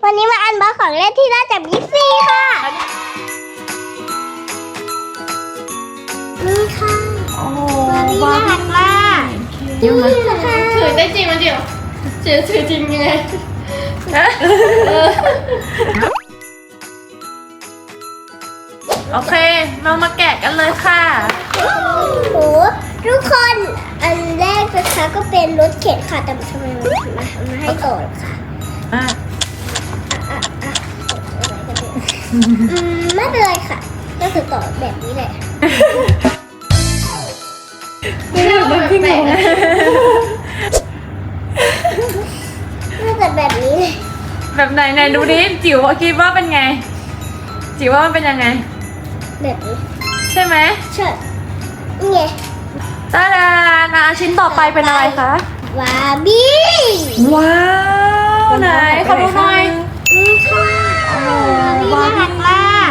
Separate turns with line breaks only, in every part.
วันนี้มาอันบ็อกของเล่นที่ได้จากบิ๊กซีค่ะนี่ค่ะ
โอ้โห
บาร์บี้น่ารักมาก
ยิ้มมา
นี่นะคะ
ถือได้จริงมันเดียวถือจริงยังไง
โอเคเรามาแกะกันเลยค่ะ
โอ้โหทุกคนอันแรกนะคะก็เป็นรถเข็นค่ะแต่ทำไมมันมาให้ต่อค่ะ
อ่ะ
ไม่เป็นไรค่ะก็คือต่อแบบนี้แหละ
ไม่รู้เลยพี่งง
น่าจะแบบนี้เลย
แบบไหนไหนดูดิจิ๋วคิดว่าเป็นไง จิ๋วว่ามันเป็นยังไง
แบบนี้
ใช่ไหม
เชิดนี่ไง
ตาดานะชิ้นต่อไปเป็นอะไรคะ
บาร์บี้
ว้าวไหนขอดูหน่อย
นี่ค่ะบาร์บี้น่ารักมาก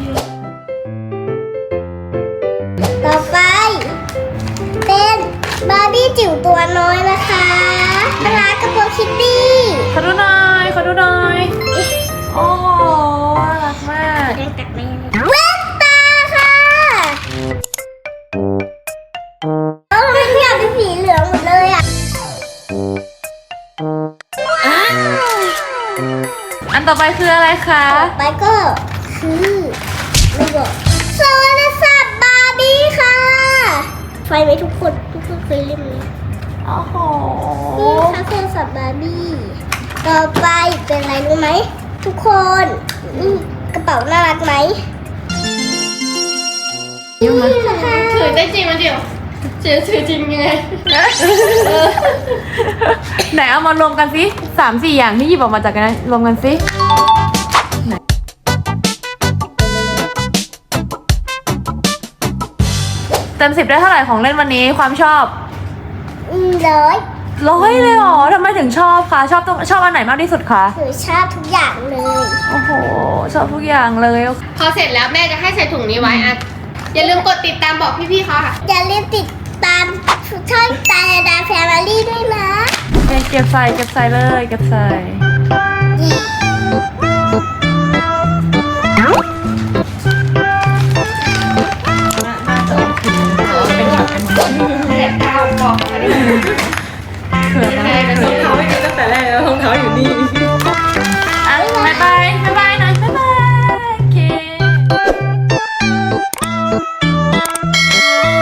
ต่อไปเป็นบาร์บี้จิ๋วตัวน้อยนะคะน่ารักกับโบคิตตี้
ขอดูหน่อยขอดูหน่อยโอ้โหน่ารักมาก
แว่นตาค่ะทำไมทุกอย่างเป็นสีเหลืองหมดเลยอ่ะ
อันต่อไปคืออะไรคะ
ต่อไปก็คือไม่บอกโซลาร์ศัพท์บาร์บี้ค่ะ ไฟไหมทุกคนเคยเล่นไหม
โอ้โห
นี่ค่ะโทรศัพท์บาร์บี้ ต่อไปเป็นอะไรรู้ไหมทุกคน นี่กระเป๋าน่ารักไหม
ยิ้มมา
นี่นะคะ
ถือได้จริงมันเดียวถือจริงยังไง
ไหนเอามารวมกันสิ3-4 อย่างที่หยิบออกมาจากกันนั้นรวมกันสิไหนเต็ม10ได้เท่าไหร่ของเล่นวันนี้ความชอบ
ร้อย
100เลยเหรอทำไมถึงชอบคะชอบอันไหนมากที่สุดคะ
หนูชอบทุกอย่างเลย
โอ้โหชอบทุกอย่างเลย
พอเสร็จแล้วแม่จะให้ใส่ถุงนี้ไว้อ่ะอย่าลืมกดติดตามบอกพี่ๆเขาค่ะ
อย่าลืมติดตามช่องตาดาแฟมิลี่ด้วยนะ
เก็บใส่เลยเก็บใส่
แต่ดาวบอกมาได้ไหม
เผื่อนะรองเท้าไม่มีตั้งแต่แรกแล้วรองเท้าอยู่นี่